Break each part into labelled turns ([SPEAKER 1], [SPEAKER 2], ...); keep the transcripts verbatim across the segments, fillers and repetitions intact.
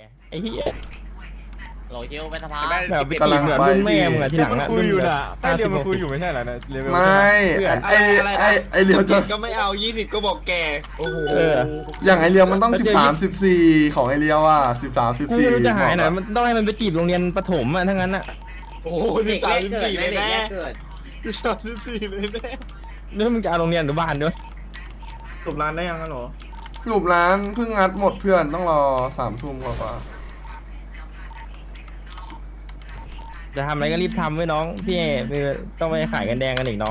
[SPEAKER 1] ไอ้เหี้ย
[SPEAKER 2] โหลคิวเป็นสภา
[SPEAKER 1] แบบไปตีเหมือนรุ่นแม่มึงอะทีหลัง
[SPEAKER 3] มัน
[SPEAKER 1] อะ
[SPEAKER 3] คุยอยู่
[SPEAKER 1] รุ่น
[SPEAKER 3] น่ะใต้เรียวมันคุยอยู่ไม่ใช่เหรอเนี่ยเลเวล
[SPEAKER 4] ไม่ไอไอไอเรียวจะ
[SPEAKER 5] ก็ไม่เอายี่สิบก็บอกแกโอ้โห
[SPEAKER 1] เออ
[SPEAKER 4] อย่างไอเรียวมันต้องสิบสามสิบสี่ของไอเรียวอ่ะสิบสามสิบ
[SPEAKER 1] กู
[SPEAKER 4] สี่
[SPEAKER 1] ไม่รู้จะหายไหนมันต้องให้มันไปจีบโรงเรียนประถมอะทั้งนั้นอะ
[SPEAKER 5] โอ้โหสิบสามสิบสี่เลยแม่สิบสามสิบสี่เลยแม่
[SPEAKER 1] แล้วมึงจะเอาโรงเรียนหรือบ้านด้วย
[SPEAKER 3] สุบร้านได้ยังกันหรอ
[SPEAKER 4] หลุมร้านเพิ่งงัดหมดเพื่อนต้องรอสามทุ่มกว่า
[SPEAKER 1] จะทำอะไรก็รีบทำไว้น้องพี่คือต้องไปขายกันแดงกันอีกน้อง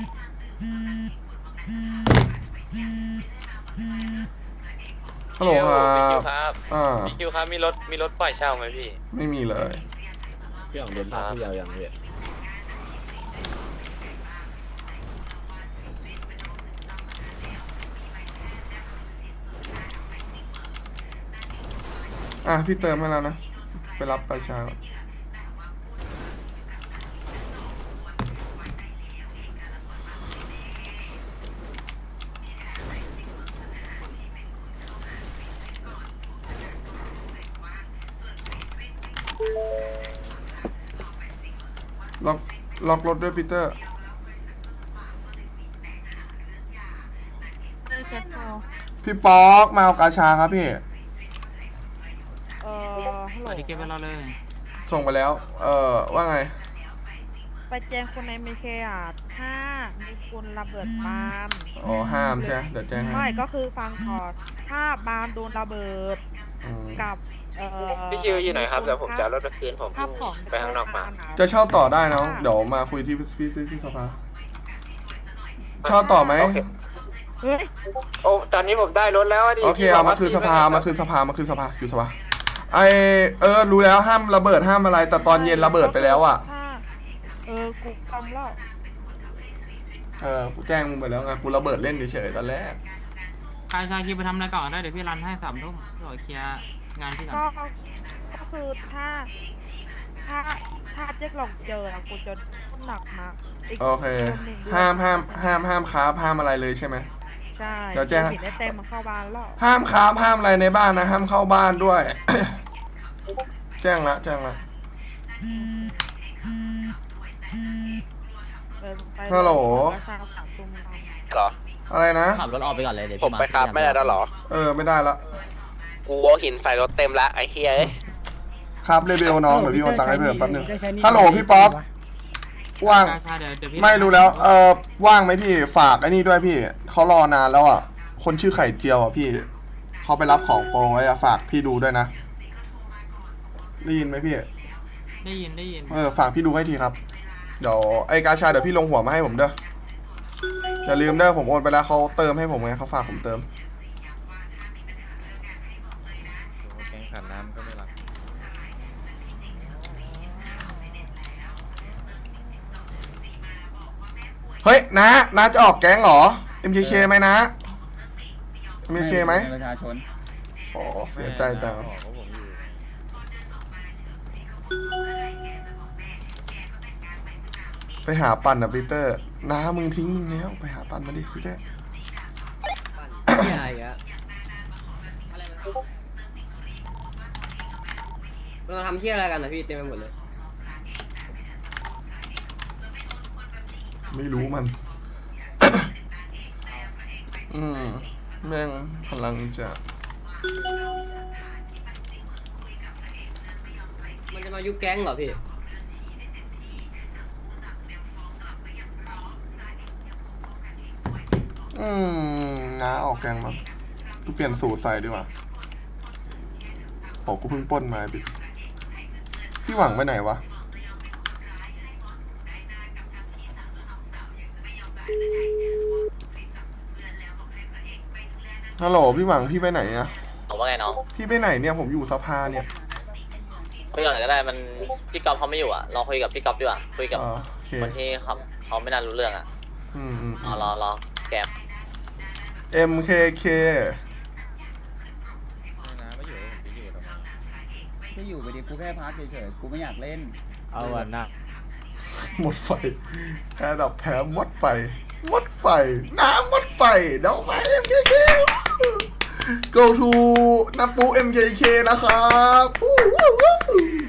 [SPEAKER 4] ฮัลโหลครับ
[SPEAKER 6] ครับ
[SPEAKER 4] อ่า
[SPEAKER 6] พี่คิวครับมีรถมีรถปล่อยเช่าไหมพี่
[SPEAKER 4] ไม่มีเลย
[SPEAKER 5] พี่ของเดินทางผู้ยาวอย่างเดียว
[SPEAKER 4] อ่ะพี่เติมให้แล้วนะไปรับประชาก่อนล็อกล็อกรถด้วยปีเตอร์
[SPEAKER 7] เออแคทโซ
[SPEAKER 4] พี่ป๊อกมาเอากาชาครับพี่
[SPEAKER 7] เออฮัลโหล
[SPEAKER 2] ที่เก็บไว้รอเลย
[SPEAKER 4] ส่งไปแล้ว เอ่อ ว่าไง
[SPEAKER 7] ไปแจ้งคนในเมเคอ่ะถ้ามีคนระเบิดบ้าน
[SPEAKER 4] อ๋อ ห้ามใช่ไหมเดี๋ยวแจ้งให้
[SPEAKER 7] ไม่ก็คือฟังก่อนถ้าบ้านโดนระเบิด
[SPEAKER 4] อืม
[SPEAKER 7] กับเอ่อ
[SPEAKER 6] พี่คิวอยู่ไหนครับเดี๋ยวผมจะเอารถไปคืนผม
[SPEAKER 7] ภาพของ
[SPEAKER 6] ไปข้างนอกมา
[SPEAKER 4] จะเช่าต่อได้น้อง เดี๋ยวมาคุยที่พี่ที่ที่สภาเช่าต่อไหม
[SPEAKER 6] โอเค
[SPEAKER 7] เฮ้ย
[SPEAKER 6] โอ้ตอนนี้ผมได้รถแล้วะดิ
[SPEAKER 4] โอเค เอามาคืนสภา มาคืนสภา มาคืนสภา อยู่สภา ไอเออ รู้แล้วห้ามระเบิดห้ามอะไร แต่ตอนเย็นระเบิดไปแล้วอ่ะ
[SPEAKER 7] ถ้าเออกูทำแล้ว
[SPEAKER 4] เออ กูแจ้งมึงไปแล้วไง กูระเบิดเล่นเฉยๆตอนแรก
[SPEAKER 2] ใครชายคิวไปทำอะไรก่อนได้เดี๋ยวพี่รันให้สามทุ่มรอเคลียร์งานพี่ก่อน
[SPEAKER 7] ก็ก็คือถ้า ถ้าถ้าเจ๊กหลงเจออะกูจะหนักนะก
[SPEAKER 4] โอเค
[SPEAKER 7] นหนึ่งด้วย
[SPEAKER 4] ห้ามห้ามห้ามห้ามค้าห้ามอะไรเลยใช่ไหม
[SPEAKER 7] ใช่
[SPEAKER 4] เดี๋ยวแจ้ง
[SPEAKER 7] เห็นได้เต็มมาเข้าบ้านแล้ว
[SPEAKER 4] ห้ามค้าห้ามอะไรในบ้านนะ ห้ามเข้าบ้านด้วย แจ้งละ แจ้งละ
[SPEAKER 7] เออไป
[SPEAKER 4] ฮัลโหล
[SPEAKER 7] ราคาสามตุ้มเรา
[SPEAKER 6] เหรอ
[SPEAKER 4] อะไรนะ
[SPEAKER 2] ขับรถออกไปก่อนเลยเดี๋ยว
[SPEAKER 6] ผมไปครับไม่ได้แล้วเหรอ
[SPEAKER 4] เออ ไม่ได้ละ
[SPEAKER 6] กูเอาหินใส่รถเต็มละไอ้เฮียเอ้ย
[SPEAKER 4] ครับเรเบลน้องเดี๋ยวพี่โอนตังค์ให้เพิ่มแป๊บนึง ฮัลโหลพี่ป๊อปว่าง
[SPEAKER 2] ชาเดี๋ยวเดี๋ยวพี่
[SPEAKER 4] ไม่รู้แล้ว เออว่างไหมพี่ ฝากไอ้นี่ด้วยพี่ เขารอนานแล้วอ่ะ คนชื่อไข่เจียวอ่ะพี่ เขาไปรับของโปรไว้อ่ะ ฝากพี่ดูด้วยนะ ได้ยินไหมพี่
[SPEAKER 2] ได้ยินได้ยิน
[SPEAKER 4] เออ ฝากพี่ดูให้ทีครับ เดี๋ยวไอ้กาชาเดี๋ยวพี่ลงหัวมาให้ผมเด้อ อย่าลืมเด้อผมโอนไปแล้วเขาเติมให้ผมไงเขาฝากผมเติม
[SPEAKER 5] แกงขันน้ำก็ไม่รัก
[SPEAKER 4] เฮ้ยนะนะจะออกแก๊งเหรอ เอ็ม เค เค ไหมนะ เอ็ม เค เค ไหม
[SPEAKER 3] ประชาชน
[SPEAKER 4] โอ้เสียใจจัง ไปหาปั่นอะปีเตอร์น้ามึงทิ้งมึงแล้วไปหาปั่นมาดิพี่เต้
[SPEAKER 5] อะไรอ่ะเราทำเที่ยอะไรกันนะพี่เต็มไปหมดเลย
[SPEAKER 4] ไม่รู้มัน อืมแม่งพลังจะ
[SPEAKER 5] มันจะมายุบแก๊งเหรอพี่
[SPEAKER 4] อืมน้าออกแกงมากูเปลี่ยนสูตรใส่ดีกว่าโอ้กูเพิ่งปล้นมาบิพี่หวังไปไหนวะฮัลโหลพี่หวังพี่ไปไหนอะ
[SPEAKER 6] ผมว่าไงน้อง
[SPEAKER 4] พี่ไปไหนเนี่ยผมอยู่สภาเนี่ย
[SPEAKER 6] คุยก่อนก็ได้มันพี่ก๊อฟเขาไม่อยู่อ่ะลองคุยกับพี่ก๊อฟดีกว่าคุยกับ
[SPEAKER 4] อ่าโอเค
[SPEAKER 6] คนที่เขาเขาไม่น่ารู้เรื่องอ่ะ
[SPEAKER 4] อืมอืม
[SPEAKER 6] เอารอรอแกม
[SPEAKER 4] เอ็มเคเค
[SPEAKER 3] ไม่อยู่ไปดิกูแค่พักเฉยๆกูไม่อยากเล่น
[SPEAKER 1] เอาวันนะ
[SPEAKER 4] หมดไฟแพ้ดับแพ้หมดไฟหมดไฟน้ำหมดไฟเดี๋ยวมาเอ็มเคเค go to นับปู เอ็ม เค เค นะครับวู้วู้วู้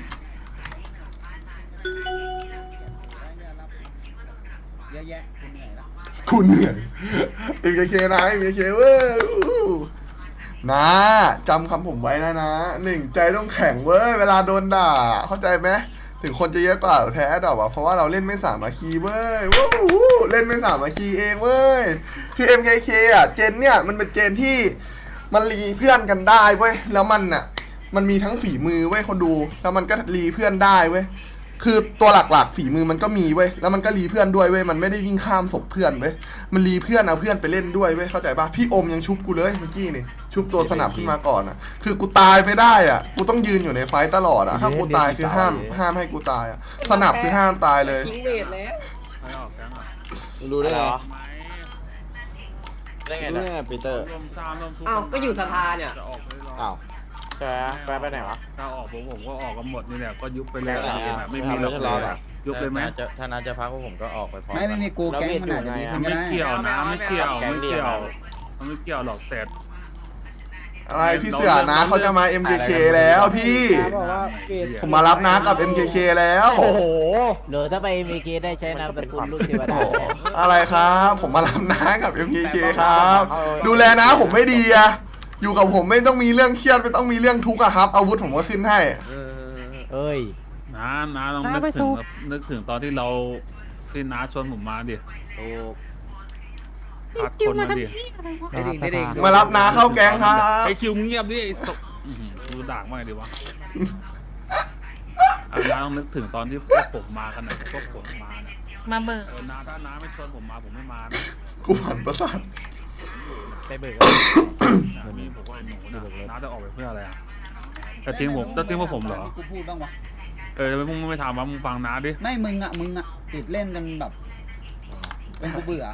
[SPEAKER 3] เยอะแยะกูเหนื่อยละ
[SPEAKER 4] คุณเหนื่อย เอ็ม เค เค นะ เอ็ม เค เค เว้ยอู้นะจำคำผมไว้นะนะหนึ่งใจต้องแข็งเว้ยเวลาโดนด่า เข้าใจไหมถึงคนจะเยอะกว่าแพ้ดอกอะเพราะว่าเราเล่นไม่สามัคคีเว้ยวู้วู้เล่นไม่สามัคคีเองเว้ยคือ เอ็ม เค เค อ่ะเจนเนี่ยมันเป็นเจนที่มันรีเพื่อนกันได้เว้ยแล้วมันอ่ะมันมีทั้งฝีมือเว้ยคนดูแล้วมันก็รีเพื่อนได้เว้ยคือตัวหลักๆฝีมือมันก็มีเว้ยแล้วมันก็รีเพื่อนด้วยเว้ยมันไม่ได้วิ่งข้ามศพเพื่อนเว้ยมันรีเพื่อนเอาเพื่อนไปเล่นด้วยเว้ยเข้าใจปะพี่อมยังชุบกูเลยเมื่อกี้นี่ชุบตัวสนับขึ้นมาก่อนอ่ะคือกูตายไม่ได้อ่ะกูต้องยืนอยู่ในไฟต์ตลอดอ่ะถ้ากูตายคือห้ามห้ามให้กูตายอ่ะสนับคือห้ามตายเลย
[SPEAKER 5] ทิ้งเวทแล้ว
[SPEAKER 8] รู้ได้เหรอ
[SPEAKER 6] ได้ไง
[SPEAKER 8] รู้
[SPEAKER 6] นะ
[SPEAKER 8] ได้ไงปีเตอร์
[SPEAKER 5] อ้าวก็อยู่สภาเนี่ย
[SPEAKER 8] อ้าวแกแกไปไหนวะ
[SPEAKER 9] ถ้าออกผมผมก็ออกกันหมดนี่แหละก็ยุบไปเลย
[SPEAKER 8] ไม่เอา
[SPEAKER 9] อะไม่มี
[SPEAKER 8] ไม่
[SPEAKER 9] แล้
[SPEAKER 8] เอา
[SPEAKER 9] ว
[SPEAKER 8] ไม่เอา
[SPEAKER 9] ยุบเลยไหม
[SPEAKER 8] จะถ้านัดจะพักพวกผมก็ออกไปพร้อม
[SPEAKER 3] ไม่ไม่มีกูแก๊งมันอาจจะดีขึ้นก็
[SPEAKER 9] ไม่
[SPEAKER 3] ได้
[SPEAKER 9] เกี่ยวนะไม่เกี่ยว
[SPEAKER 8] แก๊ง
[SPEAKER 9] ไม่
[SPEAKER 8] เดียว
[SPEAKER 9] เกี่ยวมันไม่เกี่ยวหรอกแต่
[SPEAKER 4] อะไรพี่เสือนะเขาจะมา เอ็ม เค เค แล้วพี่ ผมมารับนะกับ เอ็ม เค เค แล้ว
[SPEAKER 8] โอ้โห
[SPEAKER 10] หรือถ้าไปมีเกได้ใช้นามสกุลลูกเทว
[SPEAKER 4] โอ้
[SPEAKER 10] ดา
[SPEAKER 4] โหอะไรครับ ผมมารับนะกับ เอ็ม เค เค ครับ ดูแลนะผมไม่ดีอะอยู่กับผมไม่ต้องมีเรื่องเครียดไม่ต้องมีเรื่องทุกข์อะครับ อาวุธผมก็ขึ้นให้
[SPEAKER 10] เอ้ย
[SPEAKER 9] น้าน้าลองนึกถึงนึกถึงตอนที่เราที่น้าชวนผมมาดิพัดคนมาดิ
[SPEAKER 5] ได้ดิได้ดิ
[SPEAKER 4] มารับนะเข้าแก๊งครับ
[SPEAKER 9] ไอคิวมึงเงียบดิไอศพอื้อหือดูด่างมากดิวะอ่ะน้าต้องนึกถึงตอนที่พวกผมมากันนะพวกผมมาน่ะ
[SPEAKER 7] มาเบิก
[SPEAKER 9] เออน้าถ้าน้าไม่ชวนผมมาผมไม่มานะ
[SPEAKER 4] กูหันประสาท
[SPEAKER 10] ไปเบิก
[SPEAKER 9] นะมีผมว่าไอ้หนูนะน้าจะออกไปเพื่ออะไรอ่ะจะทิ้งผมจะทิ้งพวกผมเหรอ
[SPEAKER 3] ที่กูพูดบ้างวะ
[SPEAKER 9] เออมึงไม่ถามว่ามึงฟังน้าดิ
[SPEAKER 3] ไม่มึงอ่ะมึงอ่ะติดเล่นกันแบบเป็นกูเบื่อ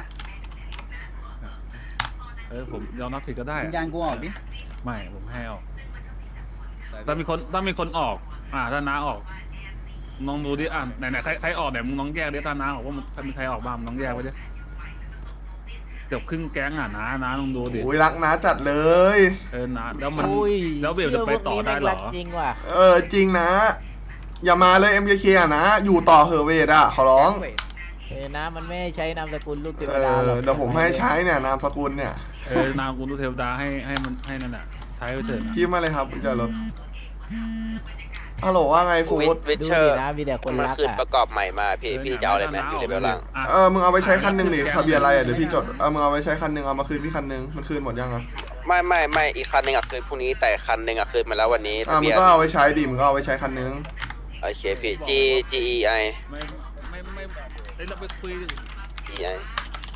[SPEAKER 9] เออผมยอมรับผิดก็ได้
[SPEAKER 3] วิญญาณกูออกดิ
[SPEAKER 9] ไม่ผมให้ออกถ้ามีคนถ้ามีคนออก อ่าถ้าน้าออกน้องดูดิอ่ะไหนไหนใครใครออกไหนมึงน้องแยกดิถ้าน้าออกว่ามันมีใครออกบ้างมึงน้องแยกไว้ดิเกือบครึ่งแก๊งอ่ะน้าน้าลองดูดิ
[SPEAKER 4] โอ้ยรักนะจัดเลย
[SPEAKER 9] เออน้าแล้วมัน
[SPEAKER 10] อุ้ย
[SPEAKER 9] แล้วเบลจะไปต่อได้เหรอ
[SPEAKER 10] จริงว่ะ
[SPEAKER 4] เออจริงนะ อย่ามาเลย เอ็ม เค เค อะนะ อยู่ต่อเหอะเวทอะขอร้อง
[SPEAKER 10] เอ้ยนะมันไม่ให้ใช้นามสกุลลูกเทว
[SPEAKER 4] เอ
[SPEAKER 10] ดา
[SPEAKER 4] อ
[SPEAKER 10] หรอก
[SPEAKER 4] เดี๋ยวผมให้ใช้เนี่ยนามสกุลเนี่ย
[SPEAKER 9] เออนามกุลเทวดาให้ให้มันให้นั่นแหละใช้ไปเถอะนะ
[SPEAKER 4] คิดมาเลยครับคุณจารถฮัลโหลว่าไงฟู
[SPEAKER 6] วิ
[SPEAKER 4] ด
[SPEAKER 6] วิ
[SPEAKER 10] ดู
[SPEAKER 6] เชอ
[SPEAKER 10] ดิ
[SPEAKER 6] ร์
[SPEAKER 10] นะมีแต่คน
[SPEAKER 6] มัน
[SPEAKER 10] รัก
[SPEAKER 6] ขึ้น
[SPEAKER 10] อ่ะ
[SPEAKER 6] ประกอบใหม่มาพี่พี่จะเอาอะไรไหมอยู่ในเบลล่าง
[SPEAKER 9] อ่ะ
[SPEAKER 4] เออมึงเอาไปใช้คันหนึ่งดิทะเบียนอะไรอ่ะเดี๋ยวพี่จดเออมึงเอาไปใช้คันหนึ่งเอามาคืนพี่คันหนึ่งมันคืนหมดยังอ่ะ
[SPEAKER 6] ไม่ไม่ไม่อีกคันหนึ่งอ่ะคืนพรุ่งนี้แต่คันหนึ่งอ่ะคืนมาแล้ววันนี้
[SPEAKER 4] อ่า
[SPEAKER 6] ทะ
[SPEAKER 4] มึ
[SPEAKER 6] เบี
[SPEAKER 4] ง
[SPEAKER 6] ยน
[SPEAKER 4] ก็เอาไปใช้ดิมึงก็เอาไปใช้คันหนึ่ง
[SPEAKER 6] โอเคพี่ G G E I
[SPEAKER 9] ไม่ไม่ไม่เอ้ยเราไปคุยดิ
[SPEAKER 6] G E I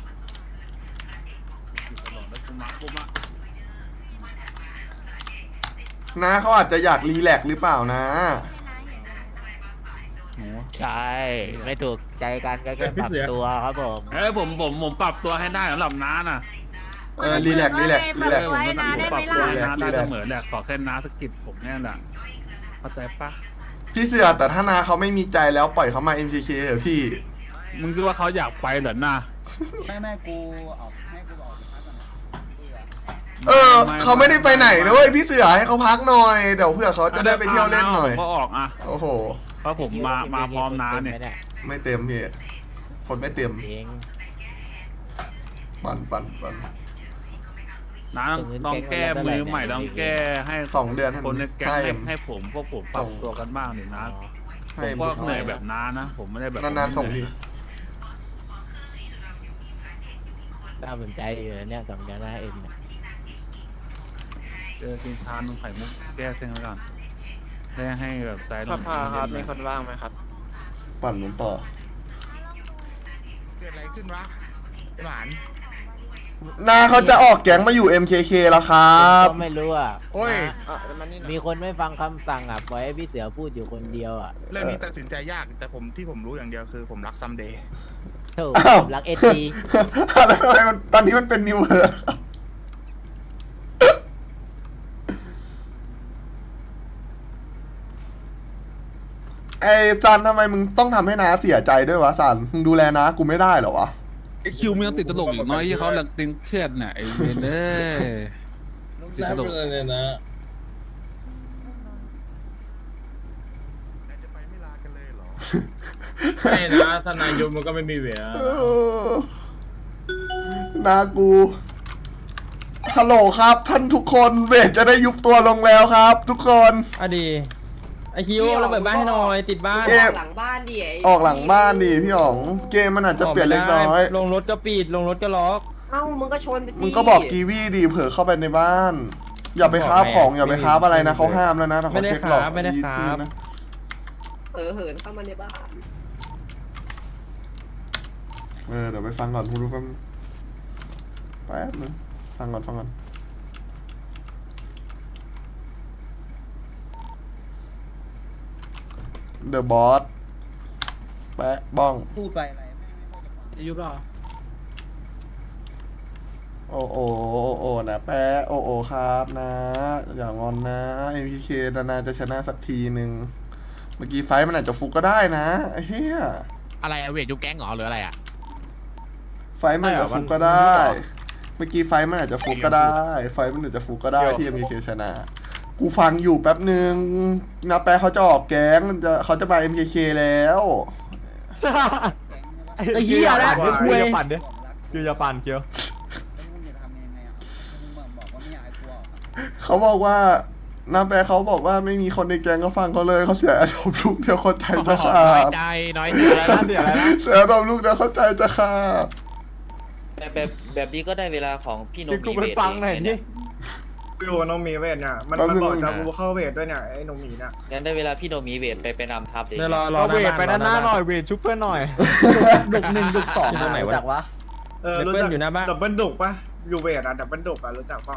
[SPEAKER 9] ตลอดแล้วกูมากูมา
[SPEAKER 4] นะเขาอาจจะอยากรีแลกซ์หรือเปล่านะ
[SPEAKER 10] ใช่ ไม่ถูกใจกันก็แค่ปรับตัวครับผม
[SPEAKER 9] เอ้ยผมผมผมปรับตัวให้ได้สำหรับน้าน่ะ
[SPEAKER 4] เออรีแลกซ์รีแลกซ์รีแลกซ์
[SPEAKER 9] ผมก็ผมปรับตัวให้น้าได้
[SPEAKER 4] รีแลกซ์
[SPEAKER 9] เสมอแหละขอแค่น้าสกิดผมแน่แหละเข้าใจปะ
[SPEAKER 4] พี่เสือแต่ถ้านาเขาไม่มีใจแล้วปล่อยเขามา เอ็ม เค เค เถอะพี่
[SPEAKER 9] มึงคิดว่าเขาอยากไปเหรอน่ะ
[SPEAKER 3] ไม่ไม่กูออกให้กูออกไปพักก่อนนะเบื่อ
[SPEAKER 4] เออเขาไม่ได้ไปไหนนะเว้ยพี่เสือให้เขาพักหน่อยเดี๋ยวเพื่อเขาจะได้ไปเที่ยวเล่นหน่อย
[SPEAKER 9] ก็ออกอ่ะ
[SPEAKER 4] โอ้โห
[SPEAKER 9] เพราะผมมามาพร้อมน้าเนี่ย
[SPEAKER 4] ไม่เต็มพี่คนไม่เต็ม
[SPEAKER 10] เอง
[SPEAKER 4] ปั่นปั่นปั่น
[SPEAKER 9] น้าต้องต้องแก้มือใหม่ต้องแก้ให้
[SPEAKER 4] สองเดือน
[SPEAKER 9] คนในแก๊ง
[SPEAKER 4] ให้
[SPEAKER 9] ให้ให้ผมพวกผมปรับตัวกันบ้างดินะผ
[SPEAKER 4] ให้
[SPEAKER 9] มก็เหนื่อยแบบน้านะผมไม่ได้แบบ
[SPEAKER 4] นานๆส่งที
[SPEAKER 10] น่าสนใจอยู่นะเนี่ยสำคัญนะเอ็มเนี่ย
[SPEAKER 9] เจอกินชานมไข่มุกแก้เส้นไว้ก่อนได้ให้แบบใจ
[SPEAKER 8] สภาครับมีคนว่างไหมครับ
[SPEAKER 4] ปั่นหมุนต่อ
[SPEAKER 8] เกิดอะไรขึ้นวะหวาน
[SPEAKER 4] นาเขาจะออกแก๊งมาอยู่ เอ็ม เค เค แล้วครั
[SPEAKER 10] ผม
[SPEAKER 4] บ
[SPEAKER 10] ก็ไม่รู้อ่ะ
[SPEAKER 8] โอ้ย
[SPEAKER 10] นะ
[SPEAKER 8] อ่ะมันนี่หน่อย
[SPEAKER 10] มีคนไม่ฟังคำสั่งอ่ะปล่อยให้พี่เสือพูดอยู่คนเดียวอ่ะ
[SPEAKER 8] เรื่องนี้ตัดสินใจยากแต่ผมที่ผมรู้อย่างเดียวคือผมรักซัมเดย์
[SPEAKER 10] โถู
[SPEAKER 4] อ้าว
[SPEAKER 10] รักเอที
[SPEAKER 4] แล้วทำไมมันตอนนี้มันเป็นนิวเวิร์ไอ้ซันทำไมมึงต้องทำให้นาเสียใจด้วยวะซันมึงดูแลนากูไม่ได้เหรอวะ
[SPEAKER 9] ไอคิวมึงยังติดตลกอีกน้อยที่เขาหลังตึงเครียดน่ะไอเวนเอ้ยติดกระดูก
[SPEAKER 8] เลยนะ
[SPEAKER 11] จะไปไม่ลากันเลยเหรอ
[SPEAKER 8] ไม่นะทนายยมมันก็ไม่มีเวลา
[SPEAKER 4] เออนากูฮัลโหลครับท่านทุกคนเวทจะได้ยุบตัวลงแล้วครับ ทุกคน
[SPEAKER 1] อะดีไอคิวเราเปิดบ้านให้หน่อยติดบ้าน
[SPEAKER 4] เกม
[SPEAKER 5] หลังบ้านดิ
[SPEAKER 4] ออกหลังบ้านดิพี่อ๋องเกมมันอาจจะเปลี่ยนเล็กน้อย
[SPEAKER 1] ลงรถก็ปิดลงรถก็ล็อก
[SPEAKER 5] เอ้ามึงก็ชนไปสิ
[SPEAKER 4] มึงก็บอกกีวีดีเผื่อเข้าไปในบ้าน อย่าไปค้าของอย่าไปค้าอะไรนะเขาห้ามแล้วนะถ้าเขาเช็คหลอก
[SPEAKER 1] ไม่ได้ครับ
[SPEAKER 4] นะ
[SPEAKER 5] เออเหินเข้ามาในบ้าน
[SPEAKER 4] เออเดี๋ยวไปฟังก่อนพูดแป๊บแป๊บนึงฟังก่อนฟังก่อนเดอะบอสแปะบ้อง
[SPEAKER 3] พูดไปอะไร
[SPEAKER 2] จะยุบหรอ
[SPEAKER 4] โอโอโอโอนะแปะโอโอครับนะ อย่างอนนะ เอ็มพีเคนานๆจะชนะสักทีหนึ่งเมื่อกี้ไฟท์มันอาจจะฟุกก็ได้นะไอ้เหี้ย
[SPEAKER 8] อะไรอะเวทยุบแก๊งเหรอหรืออะไรอะ
[SPEAKER 4] ไฟท์มันอาจจะฟุกก็ได้ เมื่อกี้ไฟท์มันอาจจะฟุกก็ได้ ไฟท์มันอาจจะฟุกก็ได้ที่เอ็มพีเคชนะ กูฟังอยู่แป๊บหนึ่งนะแปะเขาจะออกแก๊งจะเขาจะไป เอ็ม เค เค แล้ว
[SPEAKER 1] ไอ้เหี้ยแล้วเดี๋ยวคุย
[SPEAKER 3] ปั่นดิ
[SPEAKER 1] คิวจะปั่นคิว
[SPEAKER 3] มึงจะทำยังไงอ่ะมึงบอกว่าไม่อยากให้กูออกอะ
[SPEAKER 4] เขาบอกว่าน้าแปะเขาบอกว่าไม่มีคนในแก๊งก็ฟังเขาเลยเขาเสียอารมณ์ลูกเดียวเข้าใจจะขา
[SPEAKER 8] น้อย
[SPEAKER 4] ด
[SPEAKER 8] ใจน้อยใจแล้วเดี๋ยวแล้ว
[SPEAKER 4] เสียอารมณ์ลูกเดียวเข้าใจจะขาด
[SPEAKER 10] แบบแบบแบบนี้ก็ได้เวลาของพี่โน
[SPEAKER 1] กู
[SPEAKER 10] มี
[SPEAKER 1] ไป
[SPEAKER 10] เวท
[SPEAKER 1] ฟังหน่อยนี่
[SPEAKER 11] อยู่กับน้องหมีเวทเนี่ย มันมันบอกจะกูเข้าเวทด้วยเนี่ยไอ้น้องหมีเนี่ย
[SPEAKER 10] งั้นได้เวลาพี่โนมีเวทไปไปนำทัพเลย
[SPEAKER 1] เดี๋ยวรอรอเวทไปด้านหน้าหน่อยเวทชุบเพื่อนหน่อย
[SPEAKER 3] ดุกหนึ่งดุกสอง
[SPEAKER 1] อยู่ตรงไหนวะ
[SPEAKER 3] รู้จักวะ
[SPEAKER 11] เออ
[SPEAKER 1] เดี๋ยว
[SPEAKER 11] รู้
[SPEAKER 1] เปิ้
[SPEAKER 11] จั
[SPEAKER 1] ล
[SPEAKER 11] ก
[SPEAKER 1] อยู่หน้าบ้าน
[SPEAKER 11] ดับเบิลดุกปะอยู่เวทอะดับเบิลดุกอะรู้จักเปล่า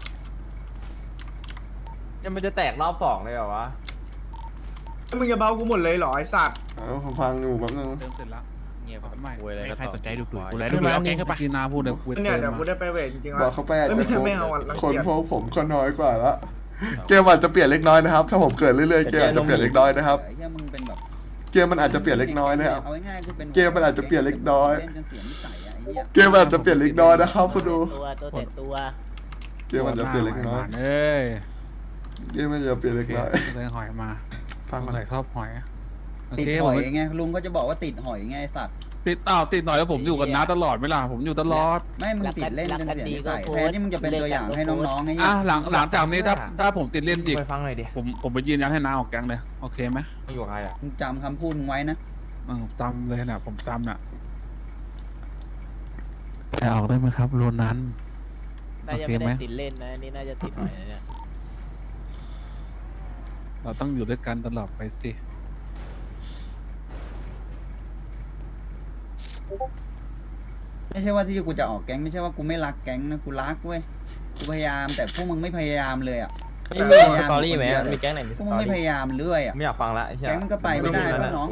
[SPEAKER 1] ยังมันจะแตกรอบสองเลยเหรอวะ
[SPEAKER 11] มึงจะเบ้ากูหมดเลยเหรอไอ้สัตว์
[SPEAKER 4] เออผมฟังอยู่แป๊บนึง
[SPEAKER 9] เติมเสร็จแล้ว
[SPEAKER 10] เงียบ
[SPEAKER 9] ไม่
[SPEAKER 8] ไม่ใครสนใจดูดูกูเลย
[SPEAKER 9] ดู
[SPEAKER 8] ดู
[SPEAKER 9] แล้
[SPEAKER 8] แล้ว ว
[SPEAKER 9] แก
[SPEAKER 8] แก๊
[SPEAKER 9] ง
[SPEAKER 8] ง
[SPEAKER 9] เข้า
[SPEAKER 8] เข้า
[SPEAKER 9] ไป
[SPEAKER 8] ไป
[SPEAKER 9] กินน้ำพูดเดี๋ยวกู
[SPEAKER 11] เนี่ย
[SPEAKER 9] เติ
[SPEAKER 11] เดี๋ย
[SPEAKER 9] ม
[SPEAKER 11] วกูได้ไปเวทจริงๆ
[SPEAKER 4] บอ
[SPEAKER 11] แล้ว
[SPEAKER 4] กเขาไปอาจ
[SPEAKER 11] ไม่
[SPEAKER 4] จะ
[SPEAKER 11] ไม่ไม่เอาอะรัง
[SPEAKER 4] คน
[SPEAKER 11] เกียจ
[SPEAKER 4] พวกผมก็น้อยกว่าละเกมอาจจะเปลี่ยนเล็กน้อยนะครับ ถ้าผมเกิดเรื่อยๆเกมอาจจะเปลี่ยนเล็กน้อยนะครับ
[SPEAKER 3] ไอ้เหี้ยมึงเป็นแบบ
[SPEAKER 4] เกมมันอาจจะเปลี่ยนเล็กน้อยนะครับ
[SPEAKER 3] เอาง่ายๆกูเป็น
[SPEAKER 4] เกมมันอาจจะเปลี่ยนเล็กน้อย
[SPEAKER 3] เล่นจนเสียนิสัยอะไอ้เหี้ย
[SPEAKER 4] เกมมันอาจจะเปลี่ยนเล็กน้อยนะครับคุณดู
[SPEAKER 10] ตัวตัวแต่ตัว
[SPEAKER 4] เกมมันจะเปลี่ยนเล็กน้อย
[SPEAKER 9] เอ้ย
[SPEAKER 4] เกมมันจะเปลี่ยนเล็กน้อย
[SPEAKER 9] เลยหอยมา
[SPEAKER 4] ฟังก่อน
[SPEAKER 9] ใส่ชอบหอยโอ
[SPEAKER 3] ติด
[SPEAKER 9] เค
[SPEAKER 3] ห
[SPEAKER 9] ผม
[SPEAKER 3] อยไงลุงก็จะบอกว่าติดหอยไงไอ้สัตว์
[SPEAKER 9] ติดอ้าวติดหน่อยแล้วผมอยู่กับน้าตลอดไหมล่ะผมอยู่ตลอด
[SPEAKER 3] ไม่มึงติดเล่นจนเสียนิสัยแทนที่มึงจะเป็นตัวอย่างให้น้องๆไอ้เหี้
[SPEAKER 9] อ่ะ
[SPEAKER 3] ย
[SPEAKER 9] หลังหลังจากนี้ถ้าถ้าผมติดเล่นอีก
[SPEAKER 1] ไปฟังหน่อยดิ
[SPEAKER 9] ผมผมไปยืนยันให้น้าออกแก๊งเลยโอเคไหม
[SPEAKER 1] อยู่กับใครอ่ะ
[SPEAKER 3] มึงจำคำพูดมึงไว้นะ
[SPEAKER 9] อืมจำเลยนะผมจำน่ะแต่ออกได้ไหมครับรูนั้น
[SPEAKER 10] น่าจะไม่ได้ติดเล่นนะอันนี่น่าจะติดหน่อยนะเนี่ย
[SPEAKER 9] เราต้องอยู่ด้วยกันตลอดไปสิ
[SPEAKER 3] ไม่ใช่ว่าที่กูจะออกแก๊งไม่ใช่ว่ากูไม่รักแก๊งนะกูรักเว้ยกูพยายามแต่พวกมึงไม่พยายามเลยอ่ะ
[SPEAKER 1] ไม่มีสตอรี่ไหมอะมีแก๊งไหนมี
[SPEAKER 3] พ
[SPEAKER 1] ส
[SPEAKER 3] วกมึ
[SPEAKER 1] ต
[SPEAKER 3] ง
[SPEAKER 1] อ
[SPEAKER 3] ไม่พ
[SPEAKER 1] รี่
[SPEAKER 3] ยายามเรื่อยอ่ะ
[SPEAKER 1] ไม่อยากฟังละไอ้เหี้ย
[SPEAKER 3] แก๊งมันก็ไปไม่ได้ป่ะน้อง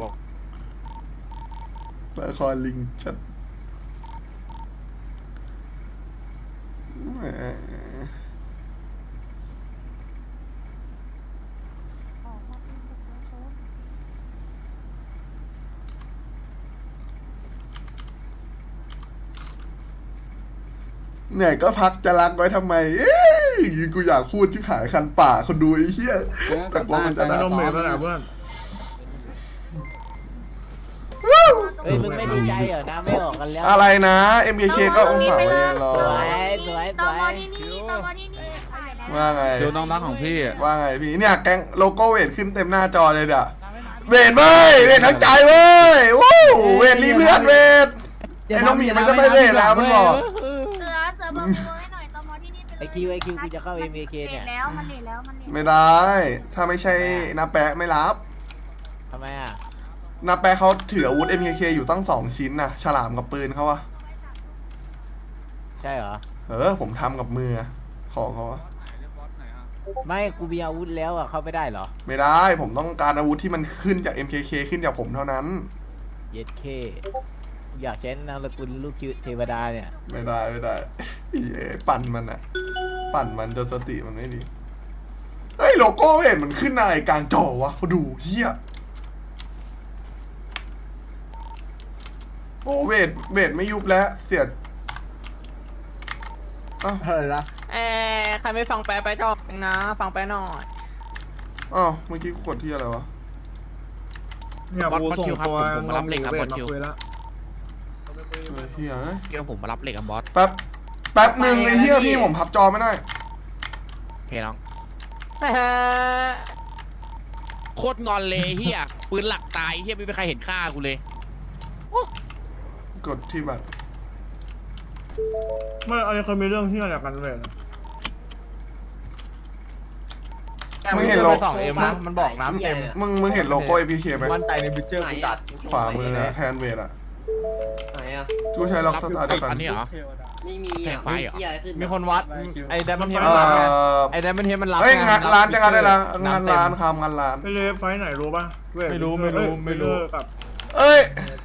[SPEAKER 4] ละครลิงชัดแหมเนี่ยก็พักจะรักไว้ทำไม เอ้ยกูอยากพูดที่ขายคันป่าคนดูไอ้เหี้ยแต่กลัวมันจะ
[SPEAKER 3] กลับบ้านไป
[SPEAKER 4] ด่า
[SPEAKER 11] น้องหมีเพื่อนอะเพื่อน
[SPEAKER 10] เฮ้ยมึงไม่ดีใจเหรอนะไม่ออกกันแล้ว
[SPEAKER 4] อะไรนะ เอ็ม เค เค ก็องศาไว้เย็นรอ
[SPEAKER 10] สวยสวยส
[SPEAKER 7] ตอ
[SPEAKER 10] ว
[SPEAKER 7] มอย ที่นี่ตอมอที่นี่ขายได้
[SPEAKER 4] ว่าไง
[SPEAKER 9] ดูน้องรักของพี่อะ
[SPEAKER 4] ว่าไงพี่เนี่ยแก๊งโลโก้เวทขึ้นเต็มหน้าจอเลยเด้อเวทเว้ยเวททั้งใจเว้ยวู้เวทรีเพื่อนเวทไอ้น้องหมีมันจะไปเวทแล้วมันบอก
[SPEAKER 7] เสือเสือเบอร์เบอร์ให้หน่อยตอมอที่นี่ไปเลย
[SPEAKER 10] ไอคิวไอคิวกูจะเข้า เอ็ม เค เนี่ย
[SPEAKER 7] เลทแล้วมันเลทแล้วมันเลท
[SPEAKER 4] ไม่ได้ ถ้าไม่ใช่นาแปะไม่รับ
[SPEAKER 10] ทำไมอ่ะ
[SPEAKER 4] นาแปะเขาถืออาวุธ เอ็ม เค เค อยู่ตั้งสองชิ้นน่ะ ฉลามกับปืนเขาวะ
[SPEAKER 10] ใช่เหรอ
[SPEAKER 4] เออผมทำกับมือของเขาวะ
[SPEAKER 10] ไม่กูมีอาวุธแล้วอ่ะเข้าไม่ได้เหรอ
[SPEAKER 4] ไม่ได้ ผมต้องการอาวุธที่มันขึ้นจาก เอ็ม เค เค ขึ้นจากผมเท่านั้น
[SPEAKER 10] เย็ดเคกูอยากใช้นามสกุลลูกเทวดาเนี่ย
[SPEAKER 4] ไม่ได้ไม่ได้เอ้ยปั่นมันอะปั่นมันจนสติมันไม่ดีเฮ้ยโลโก้เห็นมันขึ้นอะไรกลางจอวะเขาดูเฮียโอ้เวทเวทไม่ยุบแล้วเสียดอ้าว
[SPEAKER 1] อะไรนะ
[SPEAKER 10] เอ้ใครไม่ฟังแปลไปจอกนะ ฟังแปลหน่อย
[SPEAKER 4] อ้าวเมื่อกี้กูกดที่อะไรวะ
[SPEAKER 11] เนี่ยกูส่งตัวโนมีเวทมาคุยแล้ว
[SPEAKER 4] เออเฮียเอ้ย
[SPEAKER 5] เดี๋ยวผมมารับเหล็กกับบอส
[SPEAKER 4] แป๊บแป๊บหนึ่งไอ้เฮียพี่ผมพับจอไม่ได้
[SPEAKER 5] โอเคน้องโคตรงอนเลยเฮียปืนหลักตายเฮียไม่มีใครเห็นค่ากูเลย
[SPEAKER 4] กดที่บัตร
[SPEAKER 11] ไม่อันนี้เคยมีเรื่องที่อะไรกันเวท
[SPEAKER 4] มึงเห็นโล
[SPEAKER 10] สองเอ็มนะมันบอกน้ำเอ็ม
[SPEAKER 4] มึงมึงเห็นโลโก้เอพีเคไหม
[SPEAKER 10] มั่นใจในบิเจอร์กูจัด
[SPEAKER 4] ขวามืออะแทนเวทอะ
[SPEAKER 6] ไหนอ่ะ
[SPEAKER 4] กูใช้ล็อกสตาร์ทเดียวกัน
[SPEAKER 5] อันนี้เหรอ
[SPEAKER 6] ไม่มี
[SPEAKER 5] แข่งไฟเหรอ
[SPEAKER 10] มีคนวัด ไอ้แดมมันเทีย
[SPEAKER 4] เอ
[SPEAKER 10] มันรับไง
[SPEAKER 4] อ
[SPEAKER 10] ไอ้แดมมันเทียมันรับ
[SPEAKER 4] เอ้ยงานร้านจะงานได้ละงาน
[SPEAKER 10] ำเต็ม
[SPEAKER 4] ร้านคำงานร้าน
[SPEAKER 11] ไปเลยไฟไหนรู้ป่ะเวท
[SPEAKER 10] ไม่รู้ไม่รู้ไม่รู้
[SPEAKER 11] กับ
[SPEAKER 4] เอ้ย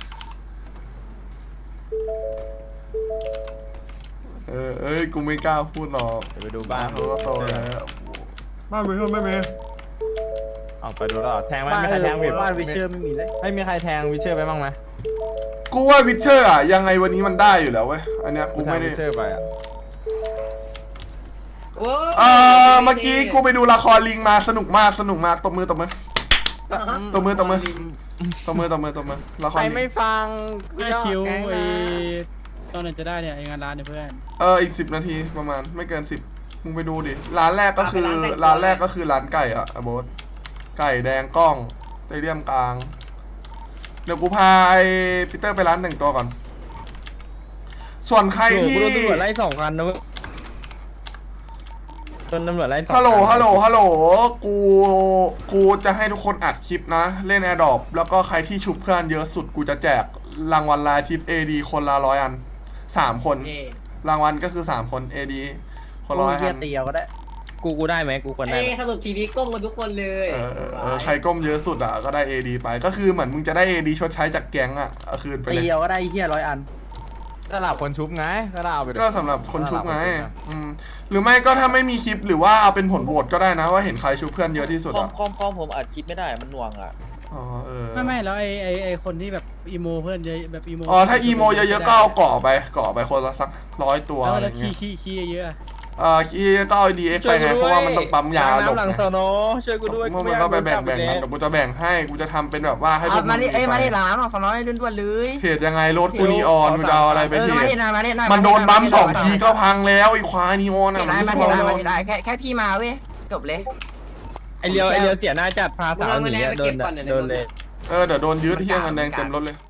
[SPEAKER 4] เออเอ้ยกูไม่กล้าพูดหรอก
[SPEAKER 10] เดี๋ยวไปดูบ้าน
[SPEAKER 4] เขาก็โตแล้ว
[SPEAKER 11] บ้านวิเชอร์ไม่มี
[SPEAKER 10] ออกไปดูแล้วแทงไหมมีใครแทงวิบ้านวิเชอร์ไม่มีเลยไม่มีใครแทงวิเชอร์ไปบ้างไหม
[SPEAKER 4] กูว่าวิเชอร์อะยังไงวันนี้มันได้อยู่แล้วเว้ยอันเนี้ยกูไม่ได้
[SPEAKER 10] วิเชอร์ไปอ่ะ
[SPEAKER 4] เออเมื่อกี้กูไปดูละครลิงมาสนุกมากสนุกมากตบมือตบมือตบมือตบมือตบมือตบมือตบมือละค
[SPEAKER 10] ใค
[SPEAKER 4] ร
[SPEAKER 10] ร
[SPEAKER 4] ลิง
[SPEAKER 10] ไม่ฟัง
[SPEAKER 1] ไม่คิว
[SPEAKER 10] แก๊ง
[SPEAKER 1] ไอ้
[SPEAKER 10] นะ
[SPEAKER 1] ตอนไหนจะได้เนี่ยไอ้งานร้านเนี่ยเพื่อน
[SPEAKER 4] เอออีกสิบนาทีประมาณไม่เกินสิบมึงไปดูดิร้านแรกก็คือร้านแรกก็คือร้านไก่อะอะโบสไก่แดงกล้องไตเรียมกลางเดี๋ยวกูพาไอ้ปีเตอร์ไปร้านแต่งตัวก่อน ส่วนใครที่
[SPEAKER 1] โอ้โหกูโดนตำรวจไล่สองคันนะเว้ยโดนตำรวจไล่สอง
[SPEAKER 4] ฮัลโหล
[SPEAKER 1] คัน
[SPEAKER 4] ฮัลโหลฮัลโหลกูกูจะให้ทุกคนอัดคลิปนะ เล่นแอร์ดรอปแล้วก็ใครที่ชุบเพื่อนเยอะสุดกูจะแจกรางวัลรายทิป เอ ดี คนละร้อยอันสามคน รางวัลก็คือสามคน เอ ดี คนละร้อยอัน
[SPEAKER 10] เตียวก็ได้
[SPEAKER 1] กูกูได้ไหมกูควรได้ไหม
[SPEAKER 6] สรุปทีนี้ก้มกันทุกคนเลย
[SPEAKER 4] เออเออเออใครก้มเยอะสุดอ่ะก็ได้ เอ ดี ไปก็คือเหมือนมึงจะได้ เอ ดี ชดใช้จากแก๊งอ่ะเอาคืนไปเลย
[SPEAKER 10] เตียวก็ได้เฮียร้อยอันสำหรับคนชุบไงก็ได้เอาไปเลย
[SPEAKER 4] ก็สำหรับคนชุบไงอืมหรือไม่ก็ถ้าไม่มีคลิปหรือว่าเอาเป็นผลโหวตก็ได้นะว่าเห็นใครชุบเพื่อนเยอะที่สุด
[SPEAKER 6] คอม
[SPEAKER 4] อ่ะ
[SPEAKER 6] คอมคอมผมอัดคลิปไม่ได้มันหน่วงอ่ะ
[SPEAKER 4] อ๋อเออ
[SPEAKER 1] ไม่ไม่แล้วไอ้ไอ้ไอ้คนที่แบบอีโมเพื่อนเยอะแบบอีโม
[SPEAKER 4] อ๋อถ้าอีโมเยอะๆก็เอาเกาะไปเกาะไปคนละสักร้อยตัว
[SPEAKER 1] แล้ว
[SPEAKER 4] อะไร
[SPEAKER 1] แล้ว
[SPEAKER 4] เงี้
[SPEAKER 1] ขี้
[SPEAKER 4] ย
[SPEAKER 1] ขี้ขี้เยอะ
[SPEAKER 4] เอ่อคีก็เอาดีเอ็กไปไงเพราะว่ามันต้องปั๊มยาหลบ
[SPEAKER 1] น้ำหลัง
[SPEAKER 4] ไง
[SPEAKER 1] โซโนช่วยกูด้วย
[SPEAKER 4] มึงก็ไปแบ่งแบ่งกันเดี๋ยวกูจะแบ่งให้กูจะทำเป็นแบบว่าให้พวกมึง
[SPEAKER 10] มาดิ
[SPEAKER 4] มี
[SPEAKER 10] เอ้ย
[SPEAKER 4] ไฟ
[SPEAKER 10] มาดิหลังน้ำสองน้อยด่วนๆเลย
[SPEAKER 4] เพจยังไงรถกูนีออนกูจะเอาอะไรไป
[SPEAKER 10] เออ
[SPEAKER 4] เพ
[SPEAKER 10] มา
[SPEAKER 4] จ
[SPEAKER 10] ดินะมาดินะ
[SPEAKER 4] มันโดนบัมสองทีก็พังแล้วไอ้ควายนีออนอ่ะ
[SPEAKER 10] มา
[SPEAKER 4] มัน
[SPEAKER 10] ดิ
[SPEAKER 4] ไม่
[SPEAKER 10] มา
[SPEAKER 4] ใช่
[SPEAKER 10] ดิ
[SPEAKER 4] บอล
[SPEAKER 10] มาดิได้แค่แค่พี่มาเว้ยจบเลย
[SPEAKER 1] ไอเลียวไอเลียวเสียหน้าจัดพาสาวหนีอะโดนโดนเลย
[SPEAKER 4] เออเดี๋ยวโดนยึดเที่ยงเงินแดงเต็มรถเลย